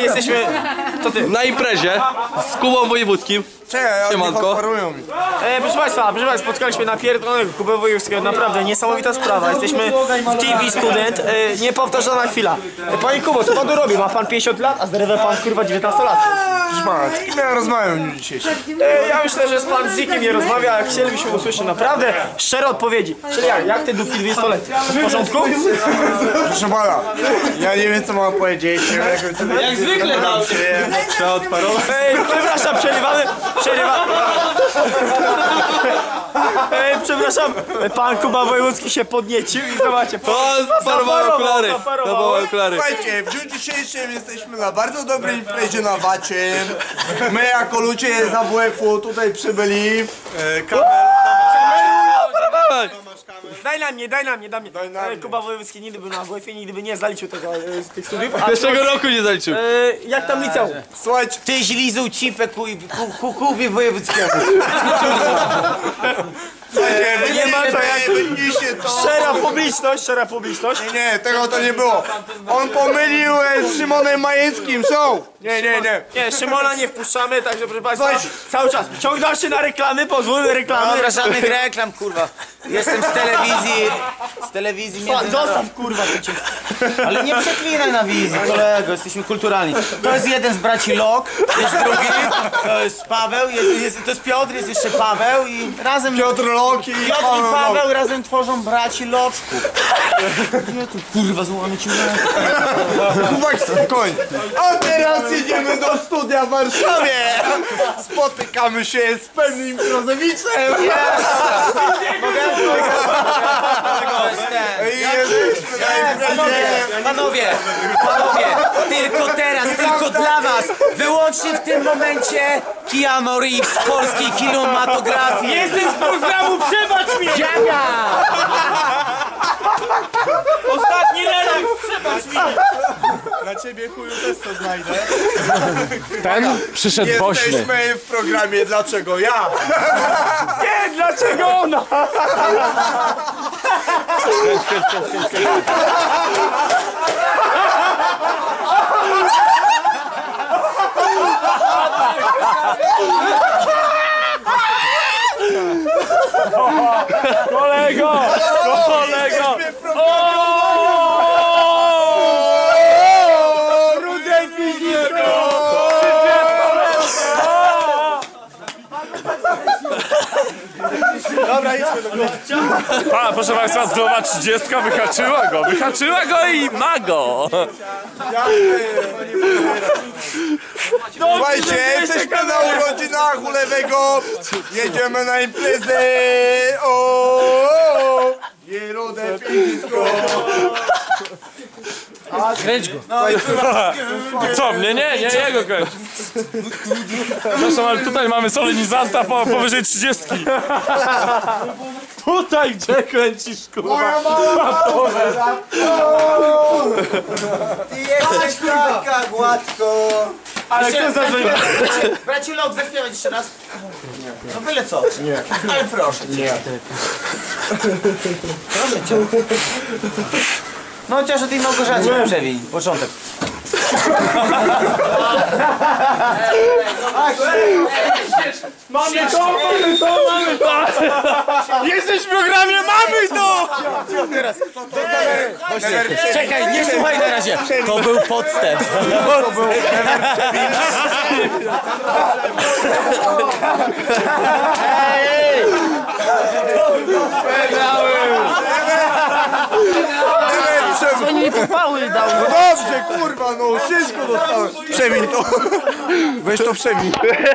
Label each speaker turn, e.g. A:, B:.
A: jesteśmy... To ty.
B: Na imprezie z Kubą Wojewódzkim. Siemanko.
A: Proszę Państwa, spotkaliśmy na pierdolonego Kubę Wojewódzkiego, naprawdę niesamowita sprawa. Jesteśmy w TV Student, niepowtarzalna chwila. Panie Kubo, co Pan tu robi? Ma Pan 50 lat, a zerwę Pan kurwa 19 lat.
C: Proszę Pana, z kim ja rozmawiam w dniu dzisiejszym?
A: Ja myślę, że z Pan z nikim nie rozmawia, jak chcielibyśmy usłyszeć naprawdę szczere odpowiedzi. Czyli jak te dupki 20-letnie? W porządku?
C: Proszę Pana, ja nie wiem co mam powiedzieć.
B: Jak zwykle dał się. Trzeba odparować.
A: Przepraszam, przepraszam, pan Kuba Wojewódzki się podniecił i zobaczcie.
B: Zaparował okulary.
C: Słuchajcie, w dniu dzisiejszym jesteśmy na bardzo dobrej imprezie na Wacie. My jako ludzie z AWF-u tutaj przybyli.
A: Daj na mnie. Kuba Wojewódzki nigdy był na AWF-ie, nigdy by nie zaliczył tych studiów.
B: Pierwszego roku nie zaliczył.
A: Jak tam liceum?
C: Słuchajcie,
D: Ty źlizuł cipę Kubie Wojewódzkiemu.
A: Nie ma to jak...
C: wynieście to.
A: Szczera publiczność.
C: Nie, tego to nie było. On pomylił z Szymonem Majęckim, Nie.
D: Nie,
A: Szymona nie wpuszczamy, także proszę Państwa,
C: Słuchajcie.
A: cały czas ciągną się na reklamy, pozwólmy reklamy.
D: dobra, żadnych reklam, kurwa. Jestem z telewizji międzynarodowej.
A: Zostaw kurwa to cię.
D: Ale nie przeklinaj na wizji, kolego, jesteśmy kulturalni. To jest jeden z braci Lok, jest drugi, to jest Paweł, to jest Piotr, jest jeszcze Paweł i razem...
C: Piotr Lok i
D: Piotr i Paweł razem tworzą braci Loczków. Nie tu, kurwa, złamy ci
C: Kubak, spokojnie. A teraz jedziemy do studia w Warszawie. Spotykamy się z pewnym improzowiczem.
D: Panowie, tylko teraz, tylko dla was, wyłącznie w tym momencie Keanu Reeves z polskiej kinematografii.
A: Jestem z programu Przebacz mi!
D: Dziaga!
A: Ostatni relaks, przebacz mi!
C: Dla ciebie chuju też to znajdę.
E: Ten przyszedł woźny.
C: Jesteśmy w programie Dlaczego ja?
A: Nie, dlaczego ona? Kolego! Rudej piździsko!
C: Dobra, idźmy do góry.
E: Proszę Państwa, zdrowa 30 wyhaczyła go i ma go.
C: Słuchajcie, jesteśmy na urodzinach u Lewego. Jedziemy na imprezę. Nie rude piździsko.
D: Kręć go.
E: Co, mnie? Nie, jego kręć. Proszę, ale tutaj mamy solenizanta powyżej 30.
A: Tutaj gdzie kręcisz, kurwa?
C: Moja mała.
D: Ty jesteś taka gładko.
A: Ale kto zażywa?
D: Braci Lok, zaśpiewać jeszcze raz. No byle co. Nie. Ale proszę cię. Nie. Proszę cię. No chociaż o tej Małgorzacie przewiń, początek.
A: Mamy to! Jesteś w programie, mamy to!
D: Czekaj, nie słuchaj na razie. To był podstęp.
A: Co nie popały dał?
C: No dobrze, kurwa, no wszystko dostałem. Przemiń to. Weź to przemiń.